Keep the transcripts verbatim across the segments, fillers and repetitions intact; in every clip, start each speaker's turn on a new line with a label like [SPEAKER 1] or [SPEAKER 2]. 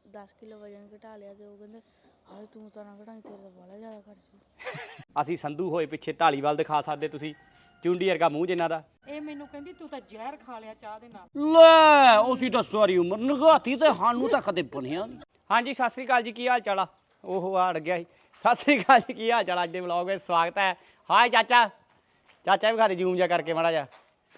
[SPEAKER 1] दस किलो वजन घटा लिया तो कहते हाए तू तो ना घटाई तेरे तो बड़ा ज़्यादा खर्च।
[SPEAKER 2] ਅਸੀਂ ਸੰਧੂ ਹੋਏ ਪਿੱਛੇ ਢਾਲੀਵਾਲ ਦਿਖਾ ਸਕਦੇ ਤੁਸੀਂ ਚੁੰਡੀ ਵਰਗਾ ਮੂੰਹ ਜਿੰਨਾ ਦਾ
[SPEAKER 3] ਇਹ ਮੈਨੂੰ ਕਹਿੰਦੀ ਤੂੰ ਤਾਂ ਜ਼ਹਿਰ ਖਾ ਲਿਆ ਚਾਹ ਦੇ ਨਾਲ।
[SPEAKER 4] ਲੈ ਉਸੀ ਤਾਂ ਸਾਰੀ ਉਮਰ ਨਗਾਤੀ ਤੇ ਸਾਨੂੰ ਤਾਂ ਕਦੇ ਬਣਿਆ ਨਹੀਂ।
[SPEAKER 2] ਹਾਂਜੀ ਸਤਿ ਸ੍ਰੀ ਅਕਾਲ ਜੀ ਕੀ ਹਾਲ ਚਾਲ ਆ ਉਹ ਆ ਅੜ ਗਿਆ ਸੀ ਸਤਿ ਸ੍ਰੀ ਅਕਾਲ ਜੀ ਕੀ ਹਾਲ ਚਾਲ ਅੱਜ ਦੇ ਵਲੌਗ ਵਿੱਚ ਸਵਾਗਤ ਹੈ। ਹਾਏ ਚਾਚਾ ਚਾਚਾ ਵੀ ਖਾਦੇ ਜੂਮ ਜਾ ਕਰਕੇ ਮਾੜਾ ਜਾ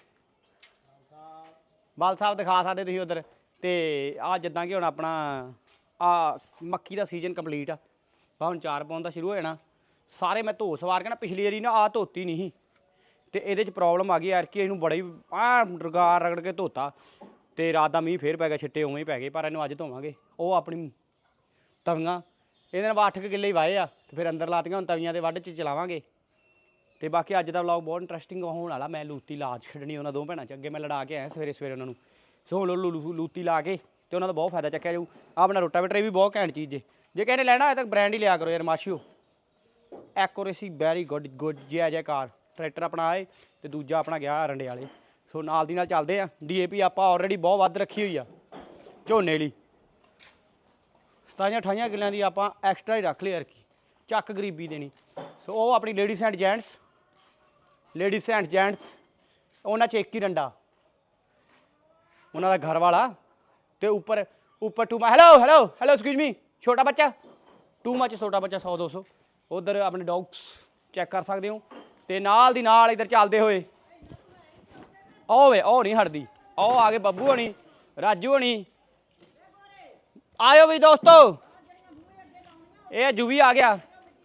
[SPEAKER 2] ਬਾਲ ਸਾਹਿਬ ਦਿਖਾ ਸਕਦੇ ਤੁਸੀਂ ਉਧਰ ਤੇ ਆ ਜਿੱਦਾਂ ਕਿ ਹੁਣ ਆਪਣਾ ਆ ਮੱਕੀ ਦਾ ਸੀਜ਼ਨ ਕੰਪਲੀਟ ਆ ਹੁਣ ਚਾਰ ਪਾਉਣ ਦਾ ਸ਼ੁਰੂ ਹੋ ਜਾਣਾ ਸਾਰੇ ਮੈਂ ਧੋ ਸਵਾਰ ਕੇ ਨਾ ਪਿਛਲੀ ਵਾਰੀ ਨਾ ਆ ਧੋਤੀ ਨਹੀਂ ਸੀ ਤੇ ਇਹਦੇ 'ਚ ਪ੍ਰੋਬਲਮ ਆ ਗਈ ਯਾਰ ਕਿ ਇਹਨੂੰ ਬੜਾ ਹੀ ਆ ਰਗਾਰ ਰਗੜ ਕੇ ਧੋਤਾ ਤੇ ਰਾਤ ਦਾ ਮੀਂਹ ਫੇਰ ਪੈ ਗਿਆ ਛਿੱਟੇ ਉਵੇਂ ਹੀ ਪੈ ਗਏ ਪਰ ਇਹਨੂੰ ਅੱਜ ਧੋਵਾਂਗੇ। ਉਹ ਆਪਣੀ ਤਵੀਆਂ ਇਹਦੇ ਨਾਲ ਅੱਠ ਕੁ ਕਿੱਲੇ ਹੀ ਵਾਏ ਆ ਤੇ ਫਿਰ ਅੰਦਰ ਲਾਤੀਆਂ ਹੁਣ ਤਵੀਆਂ ਦੇ ਵੱਢ 'ਚ ਚਲਾਵਾਂਗੇ। ਤੇ ਬਾਕੀ ਅੱਜ ਦਾ ਵਲੌਗ ਬਹੁਤ ਇੰਟਰਸਟਿੰਗ ਹੋਣ ਵਾਲਾ। ਮੈਂ ਲੂਤੀ ਲਾ ਛੱਡਣੀ ਉਹਨਾਂ ਦੋ ਭੈਣਾਂ 'ਚ ਅੱਗੇ ਮੈਂ ਲੜਾ ਕੇ ਆਇਆ ਸਵੇਰੇ ਸਵੇਰੇ ਉਹਨਾਂ ਨੂੰ ਸੋ ਲੂਤੀ ਲਾ ਕੇ ਤੇ ਉਹਨਾਂ ਦਾ ਬਹੁਤ ਫਾਇਦਾ ਚੱਕਿਆ ਜਾਊ। ਆਪਣਾ ਰੋਟਾਵੇਟਰ ਇਹ ਵੀ ਬਹੁਤ ਘੈਂਟ ਚੀਜ਼ ਜੇ ਜੇ ਕਿਸੇ ਨੇ ਲੈਣਾ ਹੋਏ ਤਾਂ ਬ੍ਰਾਂਡ ਹੀ ਲਿਆ ਕਰੋ ਯਾਰ ਮਾਸ਼ੀਓ ਐਕੂਰੇਸੀ ਵੈਰੀ ਗੁੱਡ ਗੁੱਡ ਜੈ ਜੈ ਕਾਰ ਟਰੈਕਟਰ ਆਪਣਾ ਆਏ ਤੇ ਦੂਜਾ ਆਪਣਾ ਗਿਆ ਰੰਡੇ ਵਾਲੇ ਸੋ ਨਾਲ ਦੀ ਨਾਲ ਚੱਲਦੇ ਆ। ਡੀ ਏ ਪੀ ਆਪਾਂ ਆਲਰੇਡੀ ਬਹੁਤ ਵੱਧ ਰੱਖੀ ਹੋਈ ਆ ਝੋਨੇ ਲਈ ਸਤਾਈਆਂ ਅਠਾਈਆਂ ਕਿੱਲਿਆਂ ਦੀ ਆਪਾਂ ਐਕਸਟਰਾ ਹੀ ਰੱਖ ਲਈ ਯਾਰ ਕੀ ਚੱਕ ਗਰੀਬੀ ਦੇਣੀ। ਸੋ ਉਹ ਆਪਣੀ ladies and gents ladies and gents ਉਹਨਾਂ 'ਚ ਇੱਕ ਹੀ ਰੰਡਾ ਉਹਨਾਂ ਦਾ ਘਰ ਵਾਲਾ ਤੇ ਉੱਪਰ ਉੱਪਰ ਟੂ hello hello hello excuse me ਛੋਟਾ ਬੱਚਾ ਟੂ ਮੱਚ ਛੋਟਾ ਬੱਚਾ ਸੌ ਦੋ ਸੌ ਉਧਰ ਆਪਣੇ ਡੌਗਸ ਚੈੱਕ ਕਰ ਸਕਦੇ ਹੋ। ਤੇ ਨਾਲ ਦੀ ਨਾਲ ਇੱਧਰ ਚੱਲਦੇ ਹੋਏ ਉਹ ਵੇ ਉਹ ਨਹੀਂ ਹਟਦੀ ਉਹ ਆ ਗਏ ਬੱਬੂ ਹੋਣੀ ਰਾਜੂ ਹੋਣੀ ਆਇਓ ਵੀ ਦੋਸਤੋ ਇਹ ਜੁਵੀ ਆ ਗਿਆ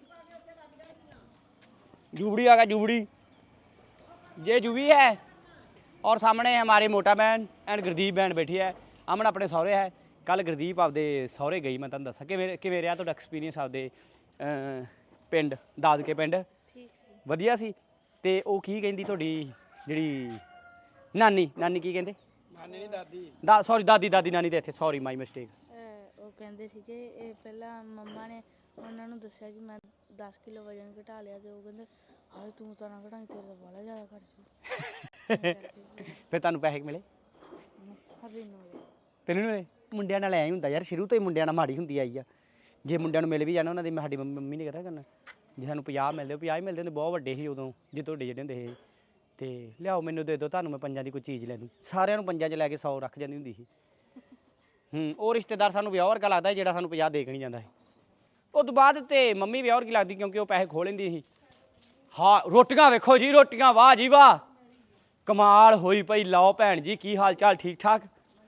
[SPEAKER 2] जुबड़ी आ गया जुबड़ी ये जुबी है और सामने हमारे मोटा बहन एंड गुरदीप बहन बैठी है। अमन अपने सौरे है कल गुरदीप आपदे सौरे गई मैं तुहानूं दस्सां कि किवें रहा तुहाडा एक्सपीरियंस आपदे पिंड दादके पिंड वधिया सी ते ओह की कहिंदी तुहाडी जिहड़ी नानी नानी की कहिंदे नानी नहीं दादी दा सॉरी दादी दादी नानी ते इत्थे सॉरी माई मिस्टेक
[SPEAKER 1] ਉਹ ਕਹਿੰਦੇ ਸੀਗੇ ਇਹ ਪਹਿਲਾਂ ਮੰਮਾ ਨੇ ਉਹਨਾਂ ਨੂੰ ਦੱਸਿਆ ਕਿ ਮੈਂ ਦਸ ਕਿਲੋ ਵਜਨ ਘਟਾ ਲਿਆ ਤੇ ਉਹ ਕਹਿੰਦੇ ਹਾਏ ਤੂੰ ਤਾਂ ਨਾ ਘਟਾਈ ਤੇਰੇ ਤਾਂ ਬੜਾ ਜ਼ਿਆਦਾ ਖਰਚ।
[SPEAKER 2] ਫਿਰ ਤੁਹਾਨੂੰ ਪੈਸੇ ਮਿਲੇ
[SPEAKER 1] ਹਰੇ ਨੂੰ
[SPEAKER 2] ਤੈਨੂੰ ਨਹੀਂ ਮਿਲੇ ਮੁੰਡਿਆਂ ਨਾਲ ਐਂ ਹੀ ਹੁੰਦਾ ਯਾਰ ਸ਼ੁਰੂ ਤੋਂ ਹੀ ਮੁੰਡਿਆਂ ਨਾਲ ਮਾੜੀ ਹੁੰਦੀ ਆਈ ਆ ਜੇ ਮੁੰਡਿਆਂ ਨੂੰ ਮਿਲ ਵੀ ਜਾਣਾ ਉਹਨਾਂ ਦੀ ਸਾਡੀ ਮੰਮੀ ਨੇ ਕਰਿਆ ਕਰਨਾ ਜੇ ਸਾਨੂੰ ਪੰਜਾਹ ਮਿਲਦੇ ਪੰਜਾਹ ਹੀ ਮਿਲਦੇ ਹੁੰਦੇ ਬਹੁਤ ਵੱਡੇ ਸੀ ਉਦੋਂ ਜੇ ਤੁਹਾਡੇ ਜਿਹੜੇ ਹੁੰਦੇ ਸੀ ਤੇ ਲਿਆਓ ਮੈਨੂੰ ਦੇ ਦਿਓ ਤੁਹਾਨੂੰ ਮੈਂ ਪੰਜਾਂ ਦੀ ਕੋਈ ਚੀਜ਼ ਲੈ ਦੂੰ ਸਾਰਿਆਂ ਨੂੰ ਪੰਜਾਂ 'ਚ ਲੈ ਕੇ ਸੌ ਰੱਖ ਜਾਂਦੀ ਹੁੰਦੀ ਸੀ। ਹੂੰ ਉਹ ਰਿਸ਼ਤੇਦਾਰ ਸਾਨੂੰ ਵਿਆਹ ਵਰਗਾ ਲੱਗਦਾ ਜਿਹੜਾ ਸਾਨੂੰ ਪੰਜਾਹ ਦੇ ਕੇ ਨਹੀਂ ਜਾਂਦਾ ਸੀ। ਉਹ ਤੋਂ ਬਾਅਦ ਤੇ ਮੰਮੀ ਵਿਆਹ ਵਰਗੀ ਲੱਗਦੀ ਕਿਉਂਕਿ ਉਹ ਪੈਸੇ ਖੋਹ ਲੈਂਦੀ ਸੀ। ਹਾਂ ਰੋਟੀਆਂ ਵੇਖੋ ਜੀ ਰੋਟੀਆਂ ਵਾਹ ਜੀ ਵਾਹ ਕਮਾਲ ਹੋਈ ਪਈ। ਲਓ ਭੈਣ ਜੀ ਕੀ ਹਾਲ ਚਾਲ ਠੀਕ ਠਾਕ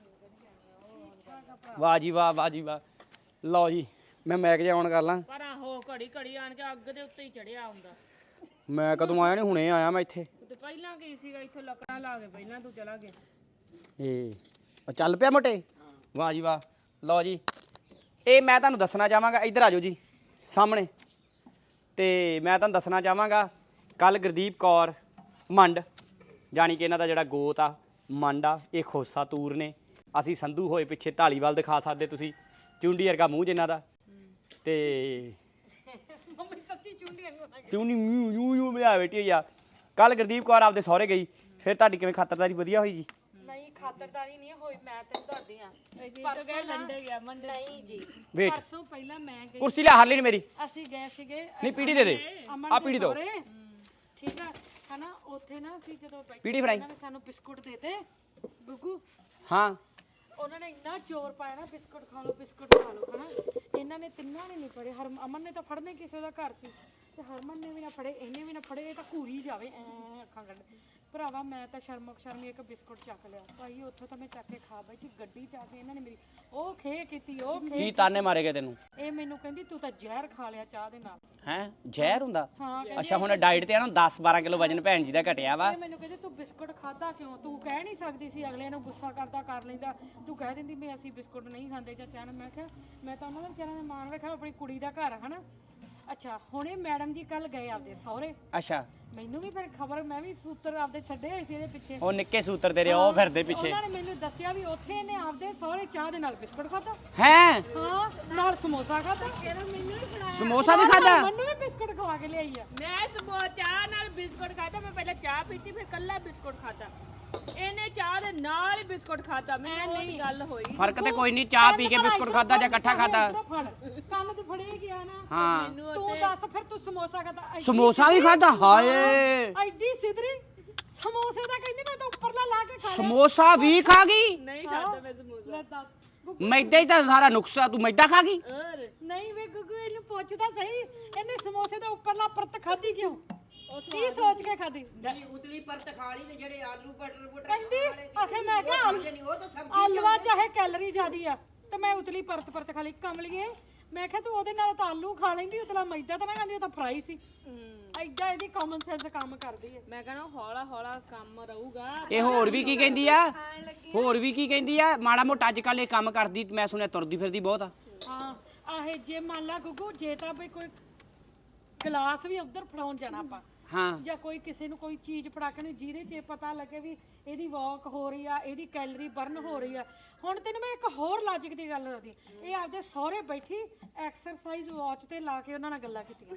[SPEAKER 2] ਵਾਹ ਜੀ ਵਾਹ ਵਾਹ ਜੀ ਵਾਹ। ਲਓ ਜੀ ਮੈਂ ਮੈਕ ਜਿਹਾ ਆਨ ਕਰ ਲਾਂ
[SPEAKER 3] ਪਰ ਆਹੋ ਘੜੀ ਘੜੀ ਆਣ ਕੇ ਅੱਗ ਦੇ ਉੱਤੇ ਹੀ ਚੜਿਆ ਹੁੰਦਾ।
[SPEAKER 2] ਮੈਂ ਕਦੋਂ ਆਇਆ ਨਹੀਂ ਹੁਣੇ ਆਇਆ ਮੈਂ ਇੱਥੇ
[SPEAKER 3] ਤੇ ਪਹਿਲਾਂ ਕੀ ਸੀਗਾ ਇੱਥੇ ਲੱਕੜਾਂ ਲਾ ਕੇ ਪਹਿਲਾਂ ਤੂੰ ਚਲਾ ਗਿਆ
[SPEAKER 2] ਇਹ ਚੱਲ ਪਿਆ ਮੋਟੇ ਵਾਹ ਜੀ ਵਾਹ। ਲਓ ਜੀ ਇਹ ਮੈਂ ਤੁਹਾਨੂੰ ਦੱਸਣਾ ਚਾਹਾਂਗਾ ਇੱਧਰ ਆ ਜਾਓ ਜੀ ਸਾਹਮਣੇ ਤੇ ਮੈਂ ਤੁਹਾਨੂੰ ਦੱਸਣਾ ਚਾਹਾਂਗਾ ਕੱਲ ਗੁਰਦੀਪ ਕੌਰ ਮੰਡ ਜਾਣੀ ਕਿ ਇਹਨਾਂ ਦਾ ਜਿਹੜਾ ਗੋਤ ਆ ਮੰਡ ਆ ਇਹ ਖੋਸਾ ਤੂਰ ਨੇ ਅਸੀਂ ਸੰਧੂ ਹੋਏ ਪਿੱਛੇ ਢਾਲੀਵਾਲ ਦਿਖਾ ਸਕਦੇ ਤੁਸੀਂ ਚੁੰਡੀ ਵਰਗਾ ਮੂੰਹ ਜਿੰਨਾ ਦਾ ਤੇ
[SPEAKER 3] ਮੰਮੀ ਸੱਚੀ ਚੁੰਡੀ
[SPEAKER 2] ਚੁੰਡੀ ਯੂ ਯੂ ਯੂ ਮਿਆ ਬੈਠੀ ਹੋਈ ਆ। ਕੱਲ ਗੁਰਦੀਪ ਕੌਰ ਆਪਦੇ ਸਹੁਰੇ ਗਈ ਫਿਰ ਤੁਹਾਡੀ ਕਿਵੇਂ ਖਾਤਰਦਾਰੀ ਵਧੀਆ ਹੋਈ ਜੀ?
[SPEAKER 3] ਨਹੀਂ ਖਾਤਰਦਾਰੀ ਨਹੀਂ ਹੋਈ ਮੈਂ ਤੈਨੂੰ ਦੱਸਦੀ ਆ ਪਰਸੋਂ ਲੰਡੇ ਗਿਆ ਮੰਡੇ ਨਹੀਂ ਜੀ
[SPEAKER 2] ਵੇਟ
[SPEAKER 3] ਪਰਸੋਂ ਪਹਿਲਾਂ ਮੈਂ ਗਈ
[SPEAKER 2] ਕੁਰਸੀ ਲਿਆ ਹਾਰਲੀ ਨੀ ਮੇਰੀ
[SPEAKER 3] ਅਸੀਂ ਗਏ ਸੀਗੇ
[SPEAKER 2] ਨਹੀਂ ਪੀੜੀ ਦੇ ਦੇ ਆ ਪੀੜੀ ਦੋ
[SPEAKER 3] ਠੀਕ ਆ ਹਨਾ ਉੱਥੇ ਨਾ ਅਸੀਂ ਜਦੋਂ ਬੈਠੇ
[SPEAKER 2] ਪੀੜੀ ਫੜਾਈ
[SPEAKER 3] ਉਹਨਾਂ ਨੇ ਸਾਨੂੰ ਬਿਸਕੁਟ ਦੇਤੇ ਗੁੱਗੂ
[SPEAKER 2] ਹਾਂ
[SPEAKER 3] ਉਹਨਾਂ ਨੇ ਇੰਨਾ ਜ਼ੋਰ ਪਾਇਆ ਨਾ ਬਿਸਕੁਟ ਖਾ ਲਓ ਬਿਸਕੁਟ ਖਾ ਲਓ ਹਨਾ ਇਹਨਾਂ ਨੇ ਤਿੰਨਾਂ ਨੇ ਨਹੀਂ ਫੜੇ ਹਰ ਅਮਨ ਨੇ ਤਾਂ ਫੜਨੇ ਕਿਸੇ ਦਾ ਘਰ ਸੀ ਤੇ ਹਰਮਨ ਨੇ ਵੀ ਨਾ ਫੜੇ ਇਹਨੇ ਵੀ ਨਾ ਫੜੇ ਇਹ ਤਾਂ ਘੂਰੀ ਜਾਵੇ ਐ ਅੱਖਾਂ ਕੱਢ ਭਰਾਵਾ ਮੈਂ ਤਾਂ ਸ਼ਰਮਕ ਸ਼ਰਮੀ ਇੱਕ ਬਿਸਕੁਟ ਚੱਕ ਲਿਆ ਭਾਈ ਉੱਥੋਂ ਤਾਂ ਮੈਂ ਚੱਕ ਕੇ ਖਾ ਬੈਠੀ ਗੱਡੀ ਚ ਆ ਕੇ ਇਹਨਾਂ ਨੇ ਮੇਰੀ ਉਹ ਖੇ ਕੀਤੀ ਉਹ ਖੇ
[SPEAKER 2] ਕੀ ਤਾਨੇ ਮਾਰੇ ਗਏ ਤੈਨੂੰ
[SPEAKER 3] ਇਹ ਮੈਨੂੰ ਕਹਿੰਦੀ ਤੂੰ ਤਾਂ ਜ਼ਹਿਰ ਖਾ ਲਿਆ ਚਾਹ ਦੇ ਨਾਲ
[SPEAKER 2] ਹੈ ਜ਼ਹਿਰ ਹੁੰਦਾ
[SPEAKER 3] ਹਾਂ
[SPEAKER 2] ਅੱਛਾ ਹੁਣ ਡਾਈਟ ਤੇ ਆ ਨਾ ਦਸ ਬਾਰਾਂ ਕਿਲੋ ਵਜਨ ਭੈਣ ਜੀ ਦਾ ਘਟਿਆ ਵਾ
[SPEAKER 3] ਇਹ ਮੈਨੂੰ ਕਹਿੰਦੇ ਤੂੰ ਬਿਸਕੁਟ ਖਾਦਾ ਕਿਉਂ ਤੂੰ ਕਹਿ ਨਹੀਂ ਸਕਦੀ ਸੀ ਅਗਲੇ ਨੂੰ ਗੁੱਸਾ ਕਰਦਾ ਕਰ ਲੈਂਦਾ ਤੂੰ ਕਹਿ ਦਿੰਦੀ ਵੀ ਅਸੀਂ ਬਿਸਕੁਟ ਨਹੀਂ ਖਾਂਦੇ ਚਾਚਾ ਨੇ। ਮੈਂ ਕਿਹਾ ਮੈਂ ਤਾਂ ਉਹਨਾਂ ਦਾ ਵਿਚਾਰਿਆਂ ਦਾ ਮਾਣ ਰੱਖਿਆ ਆਪਣੀ ਕੁੜੀ ਦਾ ਘਰ ਹਨਾ। ਅੱਛਾ ਹੁਣ ਇਹ ਮੈਡਮ ਜੀ ਕੱਲ ਗਏ ਆਪਦੇ ਸਹੁਰੇ
[SPEAKER 2] ਅੱਛਾ
[SPEAKER 3] ਮੈਨੂੰ ਵੀ ਫਿਰ ਖਬਰ ਮੈਂ ਵੀ ਸੂਤਰ ਆਪਦੇ ਛੱਡੇ ਹੋਏ ਸੀ ਇਹਦੇ ਪਿੱਛੇ
[SPEAKER 2] ਉਹ ਨਿੱਕੇ ਸੂਤਰ ਤੇਰੇ ਉਹ ਫਿਰਦੇ ਪਿੱਛੇ
[SPEAKER 3] ਉਹਨਾਂ ਨੇ ਮੈਨੂੰ ਦੱਸਿਆ ਵੀ ਉੱਥੇ ਇਹਨੇ ਆਪਦੇ ਸਹੁਰੇ ਚਾਹ ਦੇ ਨਾਲ ਬਿਸਕੁਟ ਖਾਦਾ
[SPEAKER 2] ਹੈ
[SPEAKER 3] ਹਾਂ ਨਾਲ ਸਮੋਸਾ ਖਾਦਾ ਮੈਨੂੰ ਵੀ ਫੜਾਇਆ
[SPEAKER 2] ਸਮੋਸਾ ਵੀ ਖਾਦਾ
[SPEAKER 3] ਮੈਨੂੰ ਵੀ ਬਿਸਕੁਟ ਖਵਾ ਕੇ ਲਿਆਈ ਆ
[SPEAKER 5] ਮੈਂ ਸਮੋਸਾ ਚਾਹ ਨਾਲ ਬਿਸਕੁਟ ਖਾਦਾ ਮੈਂ ਪਹਿਲਾਂ ਚਾਹ ਪੀਤੀ ਫਿਰ ਕੱਲਾ ਬਿਸਕੁਟ ਖਾਦਾ ਇਹਨੇ ਚਾਹ ਦੇ ਨਾਲ ਹੀ ਬਿਸਕੁਟ ਖਾਦਾ ਮੈਂ ਨਹੀਂ ਗੱਲ ਹੋਈ
[SPEAKER 2] ਫਰਕ ਤੇ ਕੋਈ ਨਹੀਂ ਚਾਹ ਪੀ ਕੇ ਬਿਸਕੁਟ ਖਾਦਾ ਜਾਂ ਇਕੱਠਾ ਖਾਦਾ
[SPEAKER 3] ਕੰਨ ਤੇ ਫੜੇ ਗਿਆ ਨਾ
[SPEAKER 2] ਹਾਂ
[SPEAKER 3] ਤੂੰ ਦੱਸ ਫਿਰ ਤੂੰ ਸਮੋਸਾ ਖਾਦਾ
[SPEAKER 2] ਸਮੋਸਾ ਵੀ ਖਾਦਾ ਹਾਏ
[SPEAKER 3] ਐਡੀ ਸਿੱਧਰੀ ਸਮੋਸੇ ਦਾ ਕਹਿੰਦੀ ਮੈਂ ਤਾਂ ਉੱਪਰਲਾ ਲਾ ਕੇ ਖਾ ਲਿਆ
[SPEAKER 2] ਸਮੋਸਾ ਵੀ ਖਾ ਗਈ
[SPEAKER 5] ਨਹੀਂ ਖਾਦਾ ਮੈਂ ਸਮੋਸਾ
[SPEAKER 3] ਲੈ ਦੱਸ
[SPEAKER 2] ਮੈਦਾ ਹੀ ਤਾਂ ਸਾਰਾ ਨੁਕਸਾ ਤੂੰ ਮੈਦਾ ਖਾ ਗਈ
[SPEAKER 5] ਹੋਰ
[SPEAKER 3] ਨਹੀਂ ਵੇ ਗੁੱਗੂ ਇਹਨੂੰ ਪੁੱਛਦਾ ਸਹੀ ਇਹਨੇ ਸਮੋਸੇ ਦਾ ਉੱਪਰਲਾ ਪਰਤ ਖਾਦੀ ਕਿਉਂ ਕੀ ਸੋਚ ਕੇ ਖਾਦੀ
[SPEAKER 6] ਉਤਲੀ ਪਰਤ ਖਾ ਲਈ ਤੇ ਜਿਹੜੇ ਆਲੂ ਬਟਰ ਬਟਰ
[SPEAKER 3] ਕਹਿੰਦੀ ਆਖੇ ਮੈਂ ਕਿਹਾ ਆਲੂ-
[SPEAKER 6] ਉਹ ਤਾਂ ਸਬਜ਼ੀ
[SPEAKER 3] ਆਲੂਆਂ ਚਾਹੇ ਕੈਲਰੀ ਜ਼ਿਆਦੀ ਆ ਤੇ ਮੈਂ ਉਤਲੀ ਪਰਤ ਪਰਤ ਖਾ ਲਈ ਕਮਲੀਏ ਮੈਂ ਕਿਹਾ ਤੂੰ ਉਹਦੇ ਨਾਲ ਤਾਂ ਆਲੂ ਖਾ ਲੈਂਦੀ ਉਤਲਾ ਮੈਦਾ ਤਾਂ ਮੈਂ ਕਹਿੰਦੀ ਉਹ ਤਾਂ ਫਰਾਈ ਸੀ ਐਡਾ ਇਹਦੀ ਕਾਮਨ ਸੈਂਸ ਕੰਮ ਕਰਦੀ ਹੈ
[SPEAKER 5] ਮੈਂ ਕਹਿੰਦਾ ਹੌਲਾ ਹੌਲਾ ਕੰਮ ਰਹੂਗਾ
[SPEAKER 2] ਇਹ ਹੋਰ ਵੀ ਕੀ ਕਹਿੰਦੀ ਆ ਹੋਰ ਵੀ ਕੀ ਕਹਿੰਦੀ ਆ ਮਾੜਾ ਮੋਟਾ ਅੱਜ ਕੱਲ ਇਹ ਕੰਮ ਕਰਦੀ ਮੈਂ ਸੁਣਿਆ ਤੁਰਦੀ ਫਿਰਦੀ ਬਹੁਤ ਆ
[SPEAKER 3] ਹਾਂ ਆਹੇ ਜੇ ਮੰਨ ਲਾ ਗੁੱਗੂ ਜੇ ਤਾਂ ਬਈ ਕੋਈ ਗਲਾਸ ਵੀ ਉਧਰ ਫੜਾਉਣ ਜਾਣਾ ਆਪਾਂ
[SPEAKER 2] ਹਾਂ
[SPEAKER 3] ਜਾਂ ਕੋਈ ਕਿਸੇ ਨੂੰ ਕੋਈ ਚੀਜ਼ ਫੜਾਕਣੀ ਜਿਹਦੇ 'ਚ ਇਹ ਪਤਾ ਲੱਗੇ ਵੀ ਇਹਦੀ ਵਾਕ ਹੋ ਰਹੀ ਆ ਇਹਦੀ ਕੈਲਰੀ ਬਰਨ ਹੋ ਰਹੀ ਆ ਹੁਣ ਤੈਨੂੰ ਮੈਂ ਇੱਕ ਹੋਰ ਲਾਜਿਕ ਦੀ ਗੱਲ ਦੱਸਦੀ ਇਹ ਆਪਦੇ ਸਹੁਰੇ ਬੈਠੀ ਐਕਸਰਸਾਈਜ਼ ਵਾਚ ਤੇ ਲਾ ਕੇ ਉਹਨਾਂ ਨਾਲ ਗੱਲਾਂ ਕੀਤੀਆਂ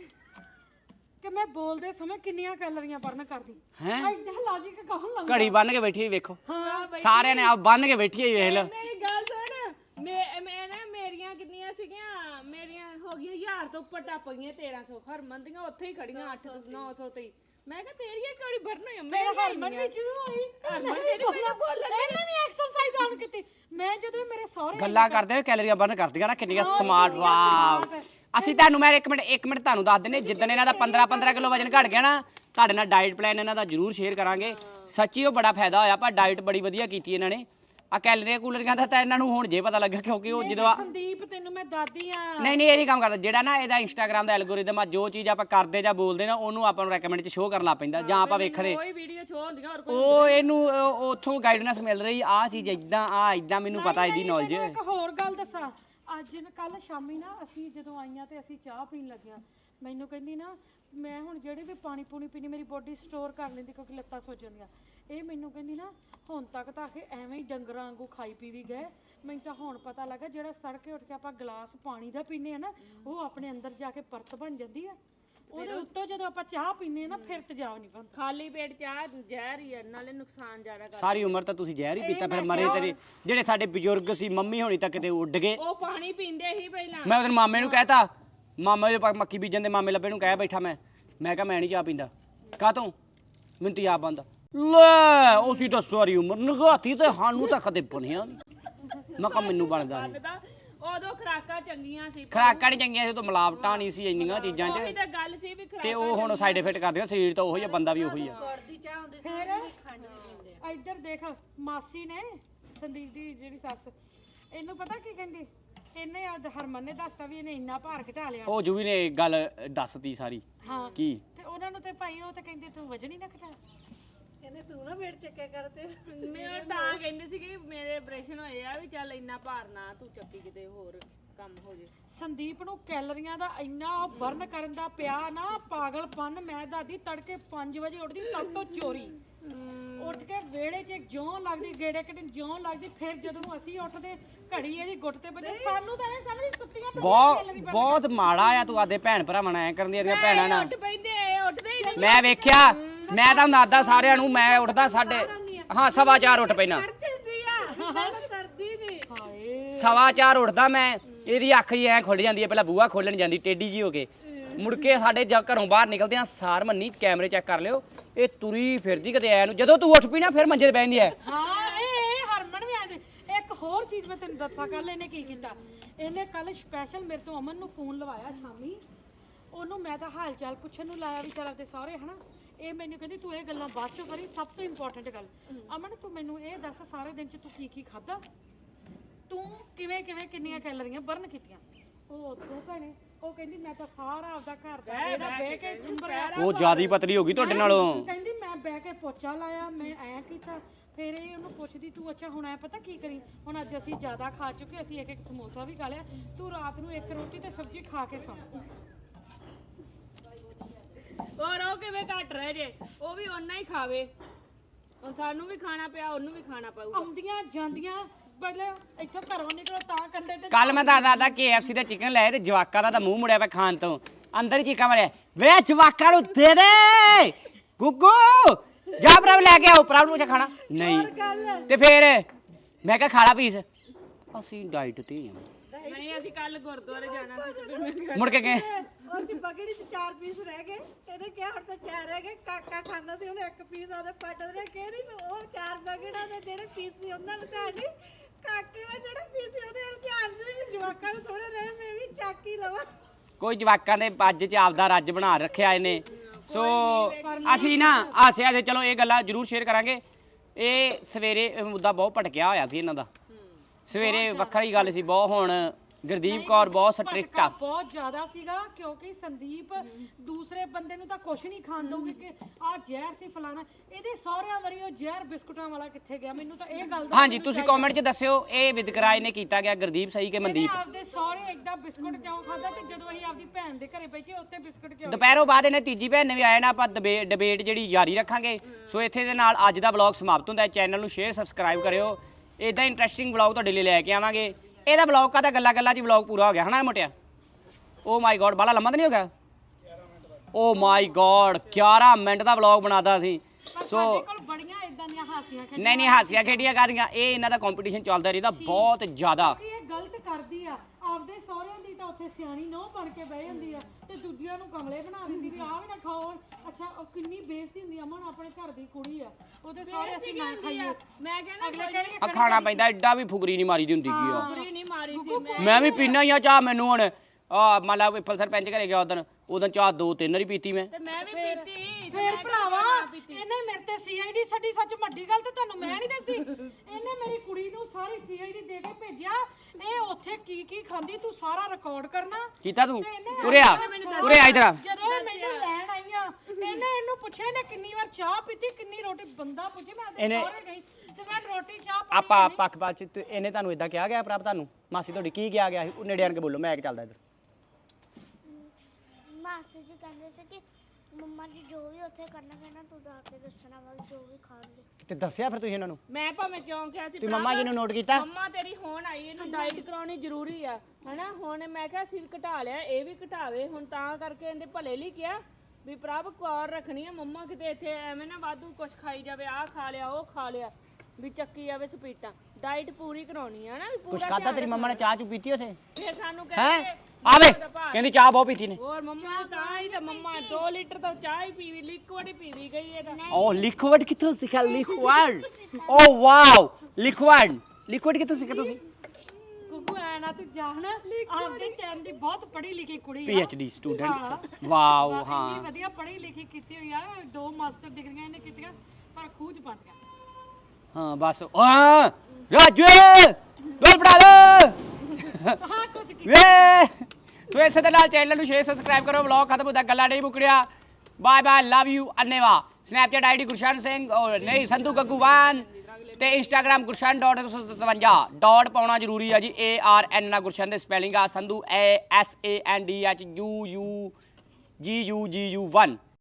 [SPEAKER 3] ਕਿ ਮੈਂ ਬੋਲਦੇ ਸਮੇਂ ਕਿੰਨੀਆਂ ਕੈਲਰੀਆਂ ਬਰਨ ਕਰਦੀ
[SPEAKER 2] ਹੈਂ?
[SPEAKER 3] ਐਡਾ ਲਾਜਿਕ ਕਹਣ ਲੱਗਾ
[SPEAKER 2] ਘੜੀ ਬੰਨ ਕੇ ਬੈਠੀ ਹੋਈ ਵੇਖੋ
[SPEAKER 3] ਹਾਂ
[SPEAKER 2] ਸਾਰਿਆਂ ਨੇ ਆਪ ਬੰਨ ਕੇ ਬੈਠੀ ਹੋਈ ਵੇਖ ਲਓ
[SPEAKER 5] ਮੇਰੀ ਗੱਲ ਸੁਣ ਮੈਂ ਮੈਂ ਨਾ ਮੇਰੀਆਂ ਕਿੰਨੀਆਂ ਸੀਗੀਆਂ ਮੇਰੀਆਂ ਹੋ ਗਈਆਂ ਹਜ਼ਾਰ ਤੋਂ ਉੱਪਰ ਟੱਪ ਗਈਆਂ ਤੇਰਾਂ ਸੌ ਹਰਮਨ ਦੀਆਂ ਉੱਥੇ ਹੀ ਖੜੀਆਂ ਅੱਠ ਨੌ ਸੌ ਤੇ ਹੀ। ਮੈਂ ਕਿਹਾ ਤੇਰੀਆਂ ਕਿਹੜੀ ਬਰਨ ਹੋਈ
[SPEAKER 3] ਮੇਰਾ ਹਰਮਨ ਵੀ ਸ਼ੁਰੂ ਹੋਈ
[SPEAKER 5] ਹਰਮਨ ਜਿਹੜੀ ਪਹਿਲਾਂ ਬੋਲਣ
[SPEAKER 3] ਇਹਨੇ ਵੀ ਐਕਸਰਸਾਈਜ਼ ਆਨ ਕੀਤੀ ਮੈਂ ਜਦੋਂ ਮੇਰੇ ਸਹੁਰੇ
[SPEAKER 2] ਗੱਲਾਂ ਕਰਦੇ ਹੋਏ ਕੈਲਰੀਆਂ ਬਰਨ ਕਰਦੀਆਂ ਨਾ ਕਿੰਨੀਆਂ ਸਮਾਰਟ ਵਾਓ ਅਸੀਂ ਤੁਹਾਨੂੰ ਮੈਂ ਇੱਕ ਮਿੰਟ ਇੱਕ ਮਿੰਟ ਤੁਹਾਨੂੰ ਦੱਸ ਦਿੰਦੇ ਜਿੱਦਣ ਇਹਨਾਂ ਦਾ ਪੰਦਰਾਂ ਪੰਦਰਾਂ ਕਿਲੋ ਵਜਨ ਘਟ ਗਿਆ ਨਾ ਤੁਹਾਡੇ ਨਾਲ ਡਾਈਟ ਪਲਾਨ ਇਹਨਾਂ ਦਾ ਜ਼ਰੂਰ ਸ਼ੇਅਰ ਕਰਾਂਗੇ ਸੱਚੀ ਉਹ ਬੜਾ ਫਾਇਦਾ ਹੋਇਆ ਪਰ ਡਾਈਟ ਬੜੀ ਵਧੀਆ ਕੀਤੀ ਇਹਨਾਂ ਨੇ ਆ ਕੈਲਰੀਆਂ ਕੂਲਰੀਆਂ ਦਾ ਤਾਂ ਇਹਨਾਂ ਨੂੰ ਹੁਣ ਜੇ ਪਤਾ ਲੱਗਾ ਕਿਉਂਕਿ ਉਹ ਜਦੋਂ ਆ-
[SPEAKER 3] ਸੰਦੀਪ ਤੈਨੂੰ ਮੈਂ ਦਾਦੀ ਆ
[SPEAKER 2] ਨਹੀਂ ਨਹੀਂ ਇਹ ਨਹੀਂ ਕੰਮ ਕਰਦਾ ਜਿਹੜਾ ਨਾ ਇਹਦਾ ਇੰਸਟਾਗ੍ਰਾਮ ਦਾ ਐਲਗੋਰਿਦਮ ਆ ਜੋ ਚੀਜ਼ ਆਪਾਂ ਕਰਦੇ ਜਾਂ ਬੋਲਦੇ ਨਾ ਉਹਨੂੰ ਆਪਾਂ ਨੂੰ ਰეკਮੈਂਡ ਚ ਸ਼ੋਅ ਕਰਨ ਲੱਗ ਪੈਂਦਾ ਜਾਂ ਆਪਾਂ ਵੇਖਦੇ
[SPEAKER 5] ਕੋਈ ਵੀਡੀਓ ਸ਼ੋ ਹੁੰਦੀਆਂ ਹੋਰ ਕੋਈ
[SPEAKER 2] ਉਹ ਇਹਨੂੰ ਉਹ- ਉੱਥੋਂ ਗਾਈਡੈਂਸ ਮਿਲ ਰਹੀ ਆਹ ਚੀਜ਼ ਇਦਾਂ ਆ ਇਦਾਂ ਮੈਨੂੰ ਪਤਾ ਇਹਦੀ
[SPEAKER 3] ਨਹੀਂ,
[SPEAKER 2] ਨੌਲੇਜ
[SPEAKER 3] ਤੈਨੂੰ ਇੱਕ ਹੋਰ ਗੱਲ ਦੱਸਾਂ ਅੱਜ ਕੱਲ ਸ਼ਾਮੀ ਨਾ ਅਸੀਂ ਜਦੋਂ ਆਈਆਂ ਤੇ ਅਸੀਂ ਚਾਹ ਪੀਣ ਲੱਗੀਆਂ ਮੈਨੂੰ ਕਹਿੰਦੀ ਨਾ ਮੈਂ ਹੁਣ ਜਿਹੜੇ ਵੀ ਪਾਣੀ ਪੂਣੀ ਪੀਣੀ ਮੇਰੀ ਬੋਡੀ ਸਟੋਰ ਕਰ ਲੈਂਦੀ ਕਿਉਂਕਿ ਲੱਤਾਂ ਸੁੱਜ ਜਾਂਦੀਆਂ ਇਹ ਮੈਨੂੰ ਕਹਿੰਦੀ ਨਾ ਹੁਣ ਤੱਕ ਤਾਂ ਆਖੇ ਐਵੇਂ ਹੀ ਡੰਗਰਾਂ ਵਾਂਗੂ ਖਾਈ ਪੀ ਵੀ ਗਏ ਮੈਨੂੰ ਤਾਂ ਹੁਣ ਪਤਾ ਲੱਗਾ ਜਿਹੜਾ ਸੜਕੇ ਉੱਠ ਕੇ ਆਪਾਂ ਗਲਾਸ ਪਾਣੀ ਦਾ ਪੀਨੇ ਆ ਨਾ ਉਹ ਆਪਣੇ ਅੰਦਰ ਜਾ ਕੇ ਪਰਤ ਬਣ ਜਾਂਦੀ ਆ ਉਹਦੇ ਉੱਤੋਂ ਜਦੋਂ ਆਪਾਂ ਚਾਹ ਪੀਨੇ ਆ ਨਾ ਫਿਰ ਤੇਜ਼ਾਬ ਨਹੀਂ ਬਣਦਾ
[SPEAKER 5] ਖਾਲੀ ਪੇਟ ਚਾਹ ਜ਼ਹਿਰ ਹੀ ਹੈ ਨਾਲੇ ਨੁਕਸਾਨ ਜ਼ਿਆਦਾ ਕਰ
[SPEAKER 2] ਸਾਰੀ ਉਮਰ ਤਾਂ ਤੁਸੀਂ ਜ਼ਹਿਰ ਹੀ ਪੀਤਾ ਫਿਰ ਮਰੇ ਤੇਰੇ ਜਿਹੜੇ ਸਾਡੇ ਬਜ਼ੁਰਗ ਸੀ ਮੰਮੀ ਹੋਣੀ ਤੱਕ ਤੇ ਉੱਡ ਗਏ
[SPEAKER 5] ਉਹ ਪਾਣੀ ਪੀਂਦੇ ਹੀ ਪਹਿਲਾਂ
[SPEAKER 2] ਮੈਂ ਉਹਦੇ ਮਾਮੇ ਨੂੰ ਕਹਿਤਾ ਮਾਮਾ ਦੇ ਪਾਸ ਮੱਕੀ ਬੀਜਣ ਦੇ ਮਾਮੇ ਲੱਭੇ ਨੂੰ ਕਹਿ ਬੈਠਾ ਮੈਂ ਮੈਂ ਕਿਹਾ ਮੈਂ ਨਹੀਂ ਚਾਹ ਪੀਂਦਾ ਕਾਹਤੋਂ ਮੈਨੂੰ ਤੇਜ਼ਾਬ ਬੰਦਾ ਲੈ ਉਸੀ ਤਾਂ ਸਾਰੀ ਉਮਰ ਨਗਾਤੀ ਤੇ ਸਾਨੂੰ ਤਾਂ ਕਦੇ ਬਣਿਆ ਨਹੀਂ ਮੈਂ ਕਿਹਾ ਮੈਨੂੰ ਬਣਦਾ ਨਹੀਂ
[SPEAKER 5] ਤਾਂ ਉਦੋਂ ਖਰਾਕਾਂ ਚੰਗੀਆਂ ਸੀ
[SPEAKER 2] ਖਰਾਕਾਂ ਨਹੀਂ ਚੰਗੀਆਂ ਸੀ ਉਦੋਂ ਮਿਲਾਵਟਾਂ ਨਹੀਂ ਸੀ ਇੰਨੀਆਂ ਚੀਜ਼ਾਂ
[SPEAKER 5] ਉਹੀ
[SPEAKER 2] 'ਚ
[SPEAKER 5] ਤਾਂ ਗੱਲ ਸੀ ਵੀ ਖਰਾਕ
[SPEAKER 2] ਤੇ ਉਹ ਹੁਣ ਸਾਈਡ ਇਫੈਕਟ ਕਰਦੀਆਂ ਸਰੀਰ ਤਾਂ ਉਹੀ ਆ ਬੰਦਾ ਵੀ ਉਹੀ ਆ
[SPEAKER 3] ਫਿਰ ਇੱਧਰ ਦੇਖ ਮਾਸੀ ਨੇ ਸੰਦੀਪ ਦੀ ਜਿਹੜੀ ਸੱਸ ਇਹਨੂੰ ਪਤਾ ਕੀ ਕਹਿੰਦੀ ਇਹਨੇ ਆਪਦੇ ਹਰਮਨ ਨੇ ਦੱਸਤਾ ਵੀ ਇਹਨੇ ਇੰਨਾ ਭਾਰ ਘਟਾ ਲਿਆ
[SPEAKER 2] ਉਹ ਜੂਵੀ ਨੇ ਗੱਲ ਦੱਸਤੀ ਸਾਰੀ
[SPEAKER 3] ਹਾਂ
[SPEAKER 2] ਕੀ
[SPEAKER 3] ਤੇ ਉਹਨਾਂ ਨੂੰ ਤੇ ਭਾਈ ਉਹ ਤੇ ਕਹਿੰਦੇ ਤੂੰ ਵਜਨ ਹੀ ਨਾ ਘਟਾ
[SPEAKER 5] ਮੈਂ ਤਾਂ ਕਹਿੰਦੇ ਸੀ ਕਿ ਮੇਰੇ ਆਪਰੇਸ਼ਨ ਹੋਏ ਆ ਵੀ ਚੱਲ ਇੰਨਾ ਭਾਰ ਨਾ ਤੂੰ ਚੱਕੀ ਕਿਤੇ ਹੋਰ ਕੰਮ ਹੋ ਜੇ
[SPEAKER 3] ਸੰਦੀਪ ਨੂੰ ਕੈਲਰੀਆਂ ਦਾ ਇੰਨਾ ਬਰਨ ਕਰਨ ਦਾ ਪਿਆ ਨਾ ਪਾਗਲਪਨ ਮੈਂ ਦਾਦੀ ਤੜਕੇ ਪੰਜ ਵਜੇ ਉੱਠਦੀ ਸਭ ਤੋਂ ਚੋਰੀ ਉੱਠ ਕੇ ਵਿਹੜੇ 'ਚ ਜਿਉਂ ਲੱਗਦੀ ਗੇੜੇ ਕੱਢਣ ਜਿਉਂ ਲੱਗਦੀ ਫਿਰ ਜਦੋਂ ਅਸੀਂ ਉੱਠਦੇ ਘੜੀ ਇਹਦੀ ਗੁੱਟ ਤੇ ਵੱਜੇ ਸਾਨੂੰ ਤਾਂ ਇਹ ਸਮਝੀ ਸੁੱਤੀਆਂ ਪਈਆਂ
[SPEAKER 2] ਬਹੁਤ ਬਹੁਤ ਮਾੜਾ ਆ ਤੂੰ ਆਦੇ ਭੈਣ ਭਰਾਵਾਂ ਨਾਲ ਐ ਕਰਦੀ ਇਹਦੀਆਂ ਭੈਣਾਂ ਨਾਲ
[SPEAKER 5] ਉੱਠ ਪੈਂਦੇ ਉੱਠਦੇ ਹੀ ਨਹੀਂ
[SPEAKER 2] ਮੈਂ ਵੇਖਿਆ ਮੈਂ ਤਾਂ ਦੱਸਦਾ ਸਾਰਿਆਂ ਨੂੰ ਮੈਂ ਉੱਠਦਾ ਸਾਡੇ ਹਾਂ ਸਵਾ ਚਾਰ ਉੱਠ ਪੈਣਾ ਸਵਾ ਚਾਰ ਉੱਠਦਾ ਮੈਂ ਇਹਦੀ ਅੱਖ ਹੀ ਐ ਖੁੱਲ ਜਾਂਦੀ ਹੈ ਪਹਿਲਾਂ ਬੂਹਾ ਖੋਲਣ ਜਾਂਦੀ ਟੇਢੀ ਜੀ ਹੋ ਕੇ ਮੁੜ ਕੇ ਸਾਡੇ ਜਦ ਘਰੋਂ ਬਾਹਰ ਨਿਕਲਦੇ ਆ ਸਾਰ ਮੰਨੀ ਕੈਮਰੇ ਚੈੱਕ ਕਰ ਲਿਓ ਇਹ ਤੁਰੀ ਫਿਰਦੀ ਕਦੇ ਐ ਨੂੰ ਜਦੋਂ ਤੂੰ ਉੱਠ ਪਈ ਨਾ ਫਿਰ ਮੰਜੇ ਤੇ ਬਹਿੰਦੀ ਐ
[SPEAKER 3] ਹਾਂ ਇਹ ਇਹ ਹਰਮਨ ਵੀ ਆਂਦੇ ਇੱਕ ਹੋਰ ਚੀਜ਼ ਮੈਂ ਤੈਨੂੰ ਦੱਸਾਂ ਕੱਲ ਇਹਨੇ ਕੀ ਕੀਤਾ ਇਹਨੇ ਕੱਲ ਸਪੈਸ਼ਲ ਮੇਰੇ ਤੋਂ ਅਮਨ ਨੂੰ ਫੋਨ ਲਵਾਇਆ ਸ਼ਾਮੀ ਉਹਨੂੰ ਮੈਂ ਤਾਂ ਹਾਲ ਚਾਲ ਪੁੱਛਣ ਨੂੰ ਲਾਇਆ ਵੀ ਚੱਲ ਆਪਦੇ ਸਹੁਰੇ ਹਨਾ ਇਹ ਮੈਨੂੰ ਕਹਿੰਦੀ ਤੂੰ ਇਹ ਗੱਲਾਂ ਬਾਅਦ ਚੋਂ ਕਰੀ ਸਭ ਤੋਂ ਇੰਪੋਰਟੈਂਟ ਗੱਲ ਅਮਨ ਤੂੰ ਮੈਨੂੰ ਇਹ ਦੱਸ ਸਾਰੇ ਦਿਨ ਚ ਤੂੰ ਕੀ ਕੀ ਖਾਦਾ ਤੂੰ ਕਿਵੇਂ ਕਿਵੇਂ ਕਿੰਨੀਆਂ ਕੈਲਰੀਆਂ ਬਰਨ ਕੀਤੀਆਂ ਉਹ ਉਦੋਂ ਭੈਣੇ ਉਹ ਕਹਿੰਦੀ ਮੈਂ ਤਾਂ ਸਾਰਾ ਆਪਦਾ ਘਰ ਦਾ ਜਿਹੜਾ ਬਹਿ ਕੇ ਚੁੰਬਰਿਆ
[SPEAKER 2] ਉਹ ਜਿਆਦੀ ਪਤਲੀ ਹੋ ਗਈ ਤੁਹਾਡੇ ਨਾਲੋਂ
[SPEAKER 3] ਕਹਿੰਦੀ ਮੈਂ ਬਹਿ ਕੇ ਪੋਚਾ ਲਾਇਆ ਮੈਂ ਐ ਕੀਤਾ ਫਿਰ ਇਹ ਉਹਨੂੰ ਪੁੱਛਦੀ ਤੂੰ ਅੱਛਾ ਹੁਣ ਐ ਪਤਾ ਕੀ ਕਰੀ ਹੁਣ ਅੱਜ ਅਸੀਂ ਜ਼ਿਆਦਾ ਖਾ ਚੁੱਕੇ ਅਸੀਂ ਇੱਕ ਇੱਕ ਸਮੋਸਾ ਵੀ ਖਾ ਲਿਆ ਤੂੰ ਰਾਤ ਨੂੰ ਇੱਕ ਰੋਟੀ ਤੇ ਸਬਜ਼ੀ ਖਾ ਕੇ ਸੌਂ
[SPEAKER 5] ਹੋਰ ਉਹ ਕਿਵੇਂ ਘਟ ਰਹੇ ਜੇ ਉਹ ਵੀ ਓਨਾ ਹੀ ਖਾਵੇ ਹੁਣ ਸਾਨੂੰ ਵੀ ਖਾਣਾ ਪਿਆ ਉਹਨੂੰ ਵੀ ਖਾਣਾ ਪਊਗਾ
[SPEAKER 3] ਆਉਂਦੀਆਂ ਜਾਂਦੀਆਂ ਪਹਿਲੇ ਇੱਥੋਂ ਘਰੋਂ ਨਿਕਲੋ ਤਾਂ ਕੰਡੇ ਤੇ
[SPEAKER 2] ਕੱਲ ਮੈਂ ਦੱਸਦਾ ਦਾ ਕੇ ਐਫ ਸੀ ਦਾ ਚਿਕਨ ਲਿਆ ਤੇ ਜਵਾਕਾਂ ਦਾ ਤਾਂ ਮੂੰਹ ਮੁੜਿਆ ਪਿਆ ਖਾਣ ਤੋਂ ਅੰਦਰ ਹੀ ਚੀਕਾਂ ਮਾਰਿਆ ਵੇ ਜਵਾਕਾਂ ਨੂੰ ਦੇ ਦੇ ਗੁੱਗੂ ਜਾ ਪ੍ਰਭ ਲੈ ਕੇ ਆਓ ਪ੍ਰਭ ਨੂੰ ਖਾਣਾ ਨਹੀਂ ਤੇ ਫਿਰ ਮੈਂ ਕਿਹਾ ਖਾਲਾ ਪੀਸ ਅਸੀਂ ਡਾਈਟ ਤੇ ਹੀ ਆ
[SPEAKER 5] ਨਹੀਂ ਅਸੀਂ ਕੱਲ ਗੁਰਦੁਆਰੇ ਜਾਣਾ ਸੀ ਤੇ ਫਿਰ ਮੈਂ ਕਿਹਾ
[SPEAKER 2] ਮੁੜ ਕੇ ਗਏ
[SPEAKER 7] ਉਹ ਚ ਬਗੜੀ ਚ ਚਾਰ ਪੀਸ ਰਹਿ ਗਏ ਇਹਨੇ ਕਿਹਾ ਹੁਣ ਤਾਂ ਚਾਰ ਰਹਿ ਗਏ ਕਾਕਾ ਖਾਂਦਾ ਸੀ ਉਹਨੇ ਇੱਕ ਪੀਸ ਆਦੇ ਪੱਟ ਦੇ ਕਿਹੜੀ ਉਹ ਚਾਰ ਬਗੜਾ ਦੇ ਜਿਹੜੇ ਪੀਸ ਸੀ ਉਹਨਾਂ ਨੂੰ ਧਿਆਨ ਨਹੀਂ ਕਾਕੇ ਦਾ ਜਿਹੜਾ ਪੀਸ ਸੀ ਉਹਦੇ ਨਾਲ ਧਿਆਨ ਸੀ ਵੀ ਜਵਾਕਾਂ ਨੂੰ ਥੋੜੇ ਰਹੇ ਮੈਂ ਵੀ ਚੱਕ ਹੀ ਲਵਾਂ
[SPEAKER 2] ਕੋਈ ਜਵਾਕਾਂ ਦੇ ਅੱਜ ਚ ਆਪਦਾ ਰੱਜ ਬਣਾ ਰੱਖਿਆ ਇਹਨੇ ਸੋ ਅਸੀਂ ਨਾ ਆਸਿਆ ਜੇ ਚਲੋ ਇਹ ਗੱਲਾਂ ਜ਼ਰੂਰ ਸ਼ੇਅਰ ਕਰਾਂਗੇ ਇਹ ਸਵੇਰੇ ਇਹ ਮੁੱਦਾ ਬਹੁਤ ਭਟਕਿਆ ਹੋਇਆ ਸੀ ਇਹਨਾਂ ਦਾ ਸਵੇਰੇ ਵੱਖਰੀ ਗੱਲ ਸੀ ਬਹੁਤ ਹੁਣ ਗੁਰਦੀਪ ਕੌਰ ਬਹੁਤ ਸਟ੍ਰਿਕਟ ਆ
[SPEAKER 3] ਬਹੁਤ ਜ਼ਿਆਦਾ ਸੀਗਾ ਕਿਉਂਕਿ ਸੰਦੀਪ ਦੂਸਰੇ ਬੰਦੇ ਨੂੰ ਤਾਂ ਕੁਛ ਨਹੀਂ ਖਾਣ ਦਊਗੀ ਕਿ ਆ ਜ਼ਹਿਰ ਸੀ ਫਲਾਣਾ ਇਹਦੇ ਸਹੁਰਿਆਂ ਵਾਰੀ ਉਹ ਜ਼ਹਿਰ ਬਿਸਕੁਟਾਂ ਵਾਲਾ ਕਿੱਥੇ ਗਿਆ ਮੈਨੂੰ ਤਾਂ ਇਹ ਗੱਲ ਦਾ
[SPEAKER 2] ਹਾਂਜੀ ਤੁਸੀਂ ਕਮੈਂਟ 'ਚ ਦੱਸਿਓ ਇਹ ਵਿਦਕਰਾਏ ਨੇ ਕੀਤਾ ਗਿਆ ਗੁਰਦੀਪ ਸਹੀ ਕਿ ਮਨਦੀਪ
[SPEAKER 3] ਆਪਦੇ ਸਹੁਰੇ ਏਦਾਂ ਬਿਸਕੁਟ ਕਿਉਂ ਖਾਦਾ ਤੇ ਜਦੋਂ ਅਸੀਂ ਆਪਦੀ ਭੈਣ ਦੇ ਘਰੇ ਬੈਠੇ ਉੱਥੇ ਬਿਸਕੁਟ ਕਿਉਂ
[SPEAKER 2] ਦੁਪਹਿਰੋਂ ਬਾਅਦ ਇਹਨੇ ਤੀਜੀ ਭੈਣ ਨੇ ਵੀ ਆਇਆ ਨਾ ਆਪਾਂ ਡਿਬੇਟ ਜਿਹੜੀ ਜਾਰੀ ਰੱਖਾਂਗੇ ਸੋ ਇੱਥੇ ਦੇ ਨਾਲ ਅੱਜ ਦਾ ਵਲੌਗ ਸਮਾਪਤ ਹੁੰਦਾ ਹੈ ਚੈਨਲ ਨੂੰ ਸ਼ੇਅਰ ਸਬਸਕ੍ਰਾਈਬ ਕਰਿਓ ਇਦਾਂ ਇੰਟਰਸਟਿੰਗ ਵਲੌਗ ਤੁਹਾਡੇ ਲਈ ਲੈ ਕੇ ਆਵਾਂਗੇ ਇਹਦਾ ਵਲੌਗ ਕਾਹਦਾ ਗੱਲਾਂ ਗੱਲਾਂ 'ਚ ਵਲੌਗ ਪੂਰਾ ਹੋ ਗਿਆ ਹਨਾ ਮੋਟਿਆ ਓ ਮਾਈ ਗॉड ਬਾਲਾ ਲੰਮਾ ਤਾਂ ਨਹੀਂ ਹੋ ਗਿਆ ਓ ਮਾਈ ਗॉड ਗਿਆਰਾਂ ਮਿੰਟ ਦਾ ਵਲੌਗ ਬਣਾਦਾ ਸੀ ਸੋ
[SPEAKER 3] ਸਾਡੇ ਕੋਲ ਬੜੀਆਂ ਇਦਾਂ ਦੀਆਂ ਹਾਸੀਆਂ ਖੇਡੀਆਂ
[SPEAKER 2] ਨਹੀਂ ਨਹੀਂ ਹਾਸੀਆਂ ਖੇਡੀਆਂ ਕਾਦੀਆਂ ਇਹ ਇਹਨਾਂ ਦਾ ਕੰਪੀਟੀਸ਼ਨ ਚੱਲਦਾ ਰਹਿੰਦਾ ਬਹੁਤ ਜ਼ਿਆਦਾ
[SPEAKER 3] ਇਹ ਗਲਤ ਕਰਦੀ ਆ ਆਪਦੇ ਸਹੁਰਿਆਂ ਦੀ ਤਾਂ ਉੱਥੇ ਸਿਆਣੀ ਨੋ ਬਣ ਕੇ ਬਹਿ ਜਾਂਦੀ ਆ ਤੇ ਦੂਜਿਆਂ ਨੂੰ ਕਮਲੇ ਬਣਾ ਦਿੰਦੀ ਵੀ ਆਹ ਵੀ ਨਾ ਖਾਓ ਅੱਛਾ ਉਹ ਕਿੰਨੀ ਬੇਇੱਜ਼ਤੀ ਹੁੰਦੀ ਆ ਮਨ ਆਪਣੇ ਘਰ ਦੀ ਕੁੜੀ ਆ ਉਹਦੇ ਸਹੁਰੇ ਅਸੀਂ ਨਾ ਖਾਈਏ
[SPEAKER 5] ਮੈਂ ਕਹਿੰਦਾ
[SPEAKER 3] ਅਗਲੇ ਕਹਿਣਗੇ
[SPEAKER 2] ਆ ਖਾਣਾ ਪੈਂਦਾ ਐਡਾ ਵੀ ਫੁਗਰੀ ਨਹੀਂ ਮਾਰੀ ਦੀ ਹੁੰਦੀ ਕੀ ਆ
[SPEAKER 5] ਪੂਰੀ ਨਹੀਂ ਮਾਰੀ ਸੀ ਮੈਂ
[SPEAKER 2] ਮੈਂ ਵੀ ਪੀਣਾ ਹੀ ਆ ਚਾਹ ਮੈਨੂੰ ਹੁਣ ਆ ਮੰਨ ਲਾ ਵਿਪਲ ਸਰਪੰਚ ਘਰੇ ਗਿਆ ਉਦੋਂ ਉਦੋਂ ਚਾਹ ਦੋ ਤਿੰਨ ਵਾਰੀ ਪੀਤੀ ਮੈਂ
[SPEAKER 5] ਤੇ ਮੈਂ ਵੀ ਪੀਤੀ
[SPEAKER 3] ਫੇਰ ਭਰਾਵਾ ਇਹਨੇ ਮੇਰੇ ਤੇ ਸੀਆਈਡੀ ਛੱਡੀ ਸੱਚ ਵੱਡੀ ਗੱਲ ਤੇ ਤੁਹਾਨੂੰ ਮੈਂ ਨਹੀਂ ਦੱਸੀ ਇਹਨੇ ਮੇਰੀ ਕੁੜੀ ਨੂੰ ਸਾਰੀ ਸੀਆਈਡੀ ਦੇ ਕੇ ਭੇਜਿਆ ਇਹ ਉੱਥੇ ਕੀ ਕੀ ਖਾਂਦੀ ਤੂੰ ਸਾਰਾ ਰਿਕਾਰਡ ਕਰਨਾ
[SPEAKER 2] ਕੀਤਾ ਤੂੰ ਉਰੇ ਆ ਉਰੇ ਆ ਇਧਰ
[SPEAKER 3] ਜਦੋਂ ਇਹ ਮੈਨੂੰ ਲੈਣ ਆਈਆਂ ਇਹਨੇ ਇਹਨੂੰ ਪੁੱਛਿਆ ਇਹਨੇ ਕਿੰਨੀ ਵਾਰ ਚਾਹ ਪੀਤੀ ਕਿੰਨੀ ਰੋਟੀ ਬੰਦਾ ਪੁੱਛੇ ਮੈਂ ਆਪਣੇ
[SPEAKER 2] ਇਹਨੇ-
[SPEAKER 3] ਸਹੁਰੇ ਗਈ ਤੇ ਮੈਂ ਰੋਟੀ ਚਾਹ ਪਾਣੀ
[SPEAKER 2] ਆਪਾਂ ਪੱਖਪਾਤ ਚ ਤੇ ਇਹਨੇ ਤੁਹਾਨੂੰ ਇਦਾਂ ਕਿਹਾ ਗਿਆ ਪ੍ਰਭ ਤੁਹਾਨੂੰ ਮਾਸੀ ਤੁਹਾਡੀ ਕੀ ਕਿਹਾ ਗਿਆ ਸੀ ਉਹ ਨੇੜੇ ਆਣ ਕੇ ਬੋਲੋ ਮੈਂ ਇੱਕ ਚੱਲਦਾ ਇਧਰ
[SPEAKER 8] ਮਾਸਟਰ ਜੀ ਕਹਿੰਦੇ ਸੀ ਕਿ ਮੰਮਾ ਜੀ ਜੋ ਵੀ ਉੱਥੇ ਕਰਨਾ ਕਹਿਣਾ ਤੂੰ ਜਾ ਕੇ ਦੱਸਣਾ ਵਾ ਜੋ ਵੀ ਖਾਣਗੇ
[SPEAKER 2] ਤੇ ਦੱਸਿਆ ਫਿਰ ਤੁਸੀਂ ਇਹਨਾਂ ਨੂੰ
[SPEAKER 5] ਮੈਂ ਭਾਵੇਂ ਕਿਉਂ ਕਿਹਾ ਸੀ
[SPEAKER 2] ਤੁਸੀਂ ਮੰਮਾ ਜੀ ਨੂੰ ਨੋਟ ਕੀਤਾ
[SPEAKER 5] ਮੰਮਾ ਤੇਰੀ ਹੁਣ ਆਈ ਇਹਨੂੰ ਡਾਈਟ ਕਰਾਉਣੀ ਜ਼ਰੂਰੀ ਆ ਹਨਾ ਹੁਣ ਮੈਂ ਕਿਹਾ ਸੀ ਘਟਾ ਲਿਆ ਇਹ ਵੀ ਘਟਾਵੇ ਹੁਣ ਤਾਂ ਕਰਕੇ ਇਹਦੇ ਭਲੇ ਲਈ ਕਿਹਾ ਵੀ ਪ੍ਰਭ ਕੌਰ ਰੱਖਣੀ ਆ ਮੰਮਾ ਕਿਤੇ ਇੱਥੇ ਐਵੇਂ ਨਾ ਵਾਧੂ ਕੁਛ ਖਾਈ ਜਾਵੇ ਆਹ ਖਾ ਲਿਆ ਉਹ ਖਾ ਲਿਆ ਵੀ ਚੱਕੀ ਜਾਵੇ ਸਪੀਟਾਂ ਡਾਈਟ ਪੂਰੀ ਕਰਾਉਣੀ ਆ ਨਾ ਵੀ
[SPEAKER 2] ਕੁਛ
[SPEAKER 5] ਪੂਰਾ
[SPEAKER 2] ਖਾਦਾ ਤੇਰੀ ਮੰਮਾ ਨੇ ਚਾਹ ਚੂ ਪੀਤੀ ਉਥੇ
[SPEAKER 5] ਫਿਰ ਸਾਨੂੰ
[SPEAKER 2] ਹੈ
[SPEAKER 5] ਕਹਿੰਦੇ
[SPEAKER 2] ਆਵੇ ਕਹਿੰਦੀ ਚਾਹ ਬਹੁਤ ਪੀਤੀ ਨੇ
[SPEAKER 5] ਹੋਰ ਮੰਮਾ ਨੇ ਤਾਂ ਹੀ ਤਾਂ ਮੰਮਾ ਦੋ ਲੀਟਰ ਤਾਂ ਚਾਹ ਹੀ ਪੀਵੀ ਲਿਕਵਿਡ ਹੀ ਪੀਵੀ ਗਈ ਇਹ ਤਾਂ
[SPEAKER 2] ਓ ਲਿਕਵਿਡ ਕਿੱਥੋਂ ਸਿੱਖਿਆ ਲਿਕਵਿਡ ਓ ਵਾਓ ਲਿਕਵਿਡ ਲਿਕਵਿਡ ਕਿੱਥੋਂ ਸਿੱਖਿਆ ਤੁਸੀਂ
[SPEAKER 3] ਗੁੱਗੂ ਐ ਨਾ ਤੂੰ ਜਾਣ ਆਪਦੇ ਟਾਈਮ ਦੀ ਬਹੁਤ ਪੜ੍ਹੀ ਲਿਖੀ ਕੁੜੀ ਆ
[SPEAKER 2] ਪੀਐਚਡੀ ਸਟੂਡੈਂਟਸ ਵਾਓ
[SPEAKER 3] ਇੰਨੀ
[SPEAKER 2] ਹਾਂ
[SPEAKER 3] ਵਧੀਆ ਪੜ੍ਹੀ ਲਿਖੀ ਕੀਤੀ ਹੋਈ ਆ ਦੋ ਮਾਸਟਰ ਡਿਗਰੀਆਂ ਇਹਨੇ ਕੀਤੀਆਂ ਪਰ ਖੂਜ ਪਾ ਗਿਆ
[SPEAKER 2] ਹਾਂ ਬਸ ਆ ਰਾਜੂ ਦੋ ਬਣਾ ਲੋ
[SPEAKER 3] ਹਾਂ ਕੁਝ
[SPEAKER 2] ਵੇ ਤੂੰ ਇਸੇ ਦੇ ਨਾਲ ਚੈਨਲ ਨੂੰ ਸ਼ੇਅਰ ਸਬਸਕ੍ਰਾਈਬ ਕਰੋ ਵਲੌਗ ਖਤਮ ਹੁੰਦਾ ਗੱਲਾਂ ਨਹੀਂ ਮੁੱਕੜਿਆ bye bye love you anyway Snapchat ID Gurshan Singh ਔਰ ਨਹੀਂ ਸੰਧੂ ਗੱਗੂਵਾਨ ਤੇ ਇੰਸਟਾਗ੍ਰam ਗੁਰਸ਼ਨ ਡਾਟ ਇੱਕ ਸੌ ਸਤਵੰਜਾ ਡਾਟ ਪਾਉਣਾ ਜ਼ਰੂਰੀ ਆ ਜੀ ਏ ਆਰ ਐਨ ਨਾ ਗੁਰਸ਼ਨ ਦੇ ਸਪੈਲਿੰਗ ਆ Sandhu A S A N D H U U G U G U one